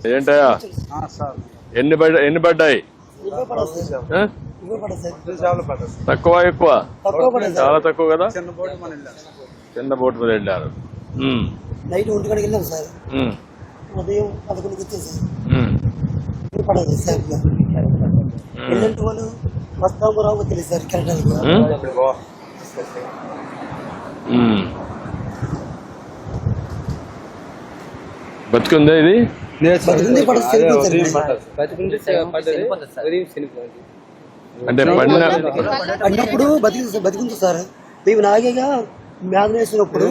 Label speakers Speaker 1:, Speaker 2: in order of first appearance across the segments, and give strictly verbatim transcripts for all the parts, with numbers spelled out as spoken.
Speaker 1: ఏంటయ్యా ఎన్ని పడ్డా ఎన్ని పడ్డాయి? తక్కువ ఎక్కువ? చాలా తక్కువ కదా. చిన్న బోట్ మీద వెళ్ళారు.
Speaker 2: నైట్ ఒంటి గంటకి వెళ్ళాం సార్. ఉదయం పదకొండుకి వచ్చాం సార్. పడదు సార్. వెళ్ళంటే వాళ్ళు వస్తాము రావు తెలియదు సార్. కరెక్ట్
Speaker 1: బతుకుందా ఇది? అంటే
Speaker 2: పడినప్పుడు బతికి బతికుంది సార్. మేము నాగేగా మేధ వేసినప్పుడు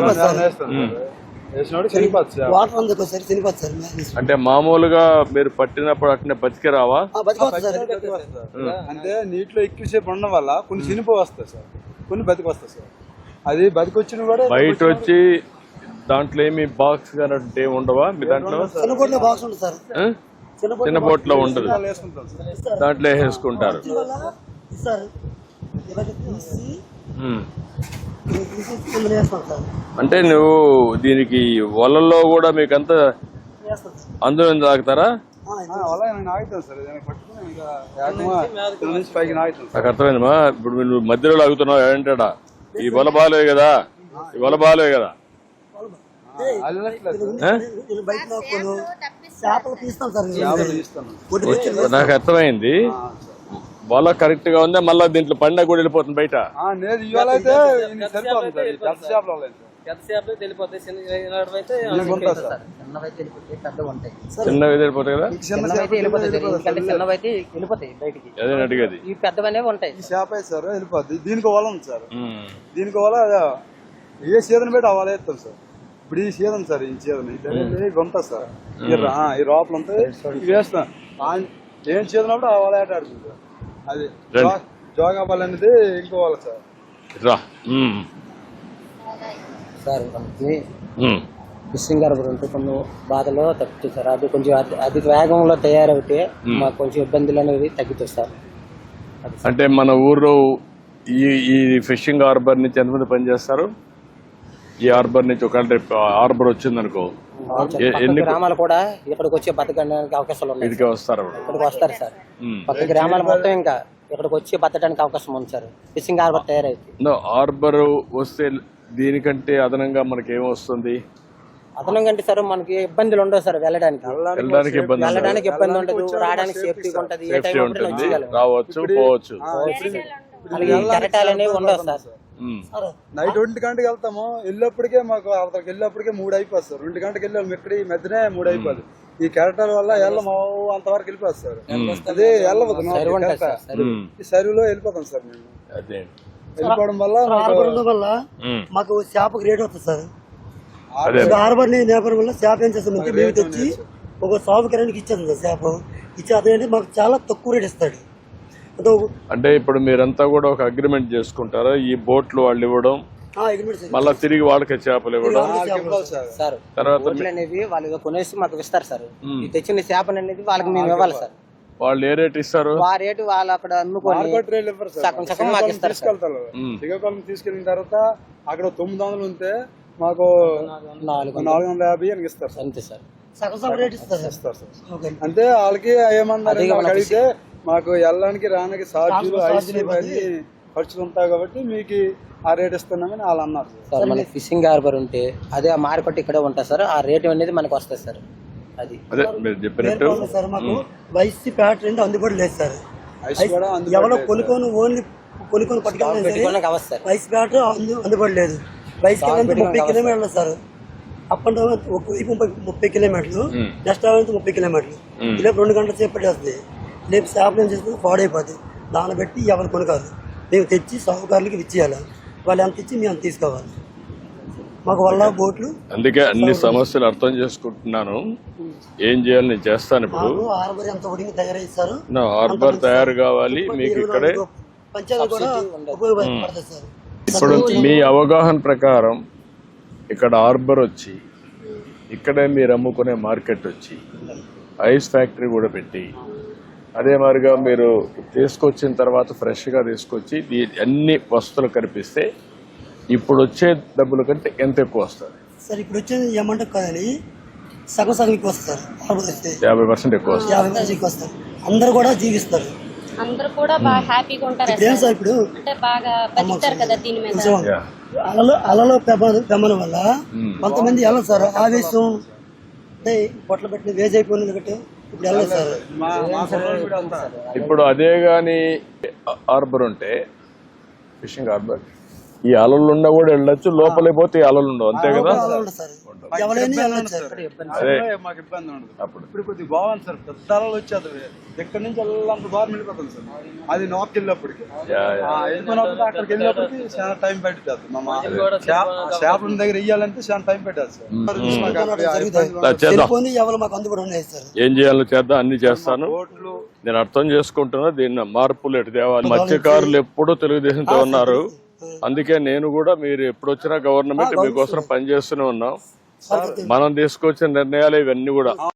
Speaker 2: వాటర్ అందుకు సార్ చనిపోతుంది సార్.
Speaker 1: అంటే మామూలుగా మీరు పట్టినప్పుడు అట్నే బతికి రావా?
Speaker 3: అంటే నీటిలో ఎక్కువసేపు ఉండడం వల్ల కొన్ని చనిపో వస్తాయి సార్, కొన్ని బతికి వస్తాయి సార్. అది బతికి వచ్చిన కూడా
Speaker 1: బయట వచ్చి దాంట్లో ఏమి బాక్స్ కానీ ఉండవా? మీ దాంట్లో
Speaker 2: బాక్స్ ఉంటుంది సార్.
Speaker 1: చిన్న బోట్ లో ఉండదు, దాంట్లో వేసుకుంటారు. అంటే నువ్వు దీనికి వలల్లో కూడా మీకంతా అందులో తాగుతారా? నాకు అర్థమైందమ్మా. ఇప్పుడు నువ్వు మధ్యలో లాగుతున్నావు ఏంటా? ఈ వల బాలే కదా, ఈ వల బాలే కదా. నాకు అర్థమైంది. వల కరెక్ట్ గా ఉందా? మళ్ళా దీంట్లో పండగ కూడా వెళ్ళిపోతుంది బయట. చిన్నవి వెళ్ళిపోతాయి కదా. అదే అడిగేది.
Speaker 3: సార్ వెళ్ళిపోద్ది. దీనికి వల ఉంది సార్. దీనికి వల ఏ సీజన్ పెట్టి అవ్వాలి వేస్తాం సార్. ఇప్పుడు ఈ సీజన్ సార్, ఈ సీజన్ ఇవి ఉంటాయి సార్. ఈ రోపలు ఉంటాయి, ఇవి వేస్తాం. ఏం సీజన్ అప్పుడు అవ్వాలి ఆట ఆడుతుంది సార్. అది జోగా బాల్ అనేది ఇంకో వాళ్ళ సార్.
Speaker 4: సార్ మనకి ఫిషింగ్ హార్బర్ ఉంటే కొన్ని బాధలో తగ్గుతుంది సార్. అది కొంచెం అధిక వేగంలో తయారవుతే మాకు కొంచెం ఇబ్బందులు అనేవి తగ్గుతుంది సార్.
Speaker 1: అంటే మన ఊర్లో ఈ ఈ ఫిషింగ్ హార్బర్ నుంచి ఎంతమంది పనిచేస్తారు? ఈ హార్బర్ నుంచి ఒక హార్బర్ వచ్చిందనుకో,
Speaker 4: ఎన్ని గ్రామాలు కూడా ఇక్కడికి వచ్చి బతకడానికి అవకాశాలు ఉన్నాయి.
Speaker 1: ఇక్కడికి వస్తారు
Speaker 4: ఇక్కడికి వస్తారు సార్. పక్క గ్రామాలు మొత్తం ఇంకా ఇక్కడికి వచ్చి బతకడానికి అవకాశం ఉంది సార్. ఫిషింగ్ హార్బర్ తయారైంది.
Speaker 1: హార్బర్ వస్తే దీనికంటే అదనంగా మనకి ఏమొస్తుంది?
Speaker 4: అదనంగా అంటే సార్ మనకి ఇబ్బందులు ఉండవు సార్. వెళ్ళడానికి
Speaker 1: వెళ్ళడానికి ఇబ్బంది
Speaker 4: వెళ్ళడానికి ఇబ్బంది ఉండదు. రావడానికి సేఫ్టీ ఉంటుంది. ఏ టైం
Speaker 1: ఉంటుంది, రావచ్చు పోవచ్చు.
Speaker 4: కెరటాలు అనేవి ఉండవు సార్.
Speaker 3: నైట్ ఒంటి గంటకి వెళ్తాము, వెళ్ళేప్పటికే మాకు అక్కడికి వెళ్ళేప్పటికే మూడు అయిపోతుంది సార్. రెండు గంటకి వెళ్ళాము, ఇక్కడ ఈ మధ్యనే మూడు అయిపోతుంది. ఈ కెరటాల వల్ల వెళ్ళము అంతవరకు వెళ్ళిపోతుంది సార్. అదే వెళ్ళవద్దు, ఈ సరువులో వెళ్ళిపోతాం సార్. మేము వెళ్ళిపోవడం వల్ల
Speaker 2: వల్ల మాకు చేపకు రేట్ వస్తుంది సార్. హార్బర్ నేపథ్యం వల్ల చేప ఏం చేస్తామంటే మేము తెచ్చి ఒక సాగు కిరానికి ఇచ్చేస్తాం సార్. చేప ఇచ్చి అదేంటి మాకు చాలా తక్కువ రేట్ ఇస్తాడు.
Speaker 1: అంటే ఇప్పుడు మీరంతా కూడా ఒక అగ్రిమెంట్ చేసుకుంటారా? ఈ బోట్లు వాళ్ళు ఇవ్వడం, మళ్ళా తిరిగి వాళ్ళకి చేపలు ఇవ్వడం,
Speaker 4: తర్వాత వాళ్ళు కొనేసి మాకు ఇస్తారు సార్. తెచ్చిన చేపలు అనేది వాళ్ళకి మేము ఇవ్వాలి సార్.
Speaker 1: వాళ్ళు ఏ రేట్ ఇస్తారు?
Speaker 4: ఆ రేటు వాళ్ళు అక్కడ అమ్ముకొని సగం సగం మాకు ఇస్తారు.
Speaker 3: శ్రీకాకుళం తీసుకెళ్ళిన తర్వాత అక్కడ తొమ్మిది వందలు ఉంటే మాకు నాలుగు నాలుగు వందల యాభై అని ఇస్తారు
Speaker 4: అంతే సార్.
Speaker 3: అంటే వాళ్ళకి ఏమన్నారు అడిగితే మాకు వెళ్ళడానికి రానికి ఛార్జీలు ఐసీ ఖర్చులు ఉంటాయి కాబట్టి మీకు ఆ రేట్ ఇస్తున్నామని వాళ్ళు అన్నారు
Speaker 4: సార్. మనకి ఫిషింగ్ హార్బర్ ఉంటే అదే ఆ మార్కెట్ ఇక్కడే ఉంటుంది సార్. ఆ రేట్ అనేది మనకు వస్తుంది సార్. అది
Speaker 2: సార్ మాకు వైసీ ప్యాట్ రెండు అందుబాటు లేదు సార్. ఎవరో కొనుక్కొని ఓన్లీ కొనుక్కొని పట్టుకోవాలి సార్. వైసీ ప్యాట్ అందుబాటు లేదు. వైసీ ముప్పై కిలోమీటర్లు సార్. అప్ అండ్ డౌన్ ఒక వైపు ముప్పై ముప్పై కిలోమీటర్లు, నెక్స్ట్ అవైతే ముప్పై కిలోమీటర్లు. ఇలా రెండు గంటల సేపు పట్టేస్తుంది. రేపు చేపలు ఏం చేస్తుంది, పాడైపోతుంది. దాన్ని బట్టి ఎవరు కొనుక్కోవాలి, మేము తెచ్చి సాగుకారులకి ఇచ్చేయాలి. వాళ్ళు ఎంత ఇచ్చి మేము అంత తీసుకోవాలి. మాకు వల్ల బోట్లు.
Speaker 1: అందుకే అన్ని సమస్యలు అర్థం చేసుకుంటున్నాను. ఏం చేయాలి నేను చేస్తాను. ఇప్పుడు
Speaker 2: హార్బర్ ఎంత ఒడికి తయారైస్తారు.
Speaker 1: హార్బర్ తయారు కావాలి మీకు ఇక్కడే.
Speaker 2: పంచాయతీ కూడా ఉపయోగపడుతుంది సార్.
Speaker 1: ఇప్పుడు మీ అవగాహన ప్రకారం ఇక్కడ హార్బర్ వచ్చి ఇక్కడే మీరు అమ్ముకునే మార్కెట్ వచ్చి ఐస్ ఫ్యాక్టరీ కూడా పెట్టి అదే మాదిరిగా మీరు తీసుకొచ్చిన తర్వాత ఫ్రెష్గా తీసుకొచ్చి అన్ని వస్తువులు కనిపిస్తే ఇప్పుడు వచ్చే డబ్బుల కంటే ఎంత ఎక్కువ వస్తుంది
Speaker 2: సార్? ఇప్పుడు వచ్చేది ఏమంటే కాదని సగం సగం ఎక్కువ వస్తుంది సార్ హార్బర్ వస్తే
Speaker 1: యాభై పర్సెంట్ ఎక్కువ వస్తుంది.
Speaker 2: యాభై మంది ఎక్కువ వస్తారు. అందరు కూడా జీవిస్తారు.
Speaker 5: అందరూ కూడా బాగా హ్యాపీగా ఉంటారు
Speaker 2: ఇప్పుడు ఏం సార్ ఇప్పుడు
Speaker 5: అంటే బాగా బతుకుతారు కదా దీని మీద.
Speaker 2: కొంచెం
Speaker 1: Yeah.
Speaker 2: అలలో అలలో పెమ్మన వల్ల కొంతమంది వెళ్ళదు సార్. ఆవేశం అంటే పొట్ల పెట్టిన వేజ్ అయిపోయింది కాబట్టి ఇప్పుడు వెళ్ళదు సార్.
Speaker 3: మా మా కుర్రోళ్ళు కూడా అంతా
Speaker 1: ఇప్పుడు అదే గాని హార్బర్ ఉంటే ఫిషింగ్ హార్బర్ ఈ అలలుండా కూడా వెళ్ళొచ్చు, లోపలికి పోతే ఈ అలలు ఉండవు అంతే కదా.
Speaker 2: అలా ఉండదు సార్. ఎవరైనా వెళ్ళదు సార్.
Speaker 1: అదే
Speaker 3: మాకు ఇబ్బంది ఉండదు.
Speaker 1: అప్పుడు
Speaker 3: ఇప్పుడు కొద్దిగా బాగుంది సార్. పెద్ద అలలు వచ్చేది ఎక్కడి నుంచి వెళ్ళాలంత బాగా వెళ్ళిపోతుంది సార్. అది నార్త్ వెళ్ళినప్పటికి
Speaker 1: యా, యా.
Speaker 3: ఆ, వెళ్ళిపోయినప్పుడు అక్కడికి వెళ్ళినప్పటికి చాలా టైం పట్టింది. మా చేపల దగ్గర ఇయ్యాలంటే చాలా టైం పెట్టాలి సార్. మాకు అక్కడ ఆ ఇబ్బంది ఉండదు.
Speaker 1: చేద్దాం,
Speaker 2: టెలిఫోన్ ఎవరు మాకు అందుబాటులో ఉన్నాయి సార్.
Speaker 1: ఏం చేయాలో చేద్దాం, అన్ని చేస్తాను.
Speaker 3: బోట్లు
Speaker 1: నేను అర్థం చేసుకుంటున్నా దీన్ని మార్పులు ఎటు తేవాలి. మత్స్యకారులు ఎప్పుడూ తెలుగుదేశంతో ఉన్నారు, అందుకే నేను కూడా మీరు ఎప్పుడు వచ్చినా గవర్నమెంట్ మీకోసం పనిచేస్తూనే ఉన్నాం. మనం తీసుకొచ్చిన నిర్ణయాలు ఇవన్నీ కూడా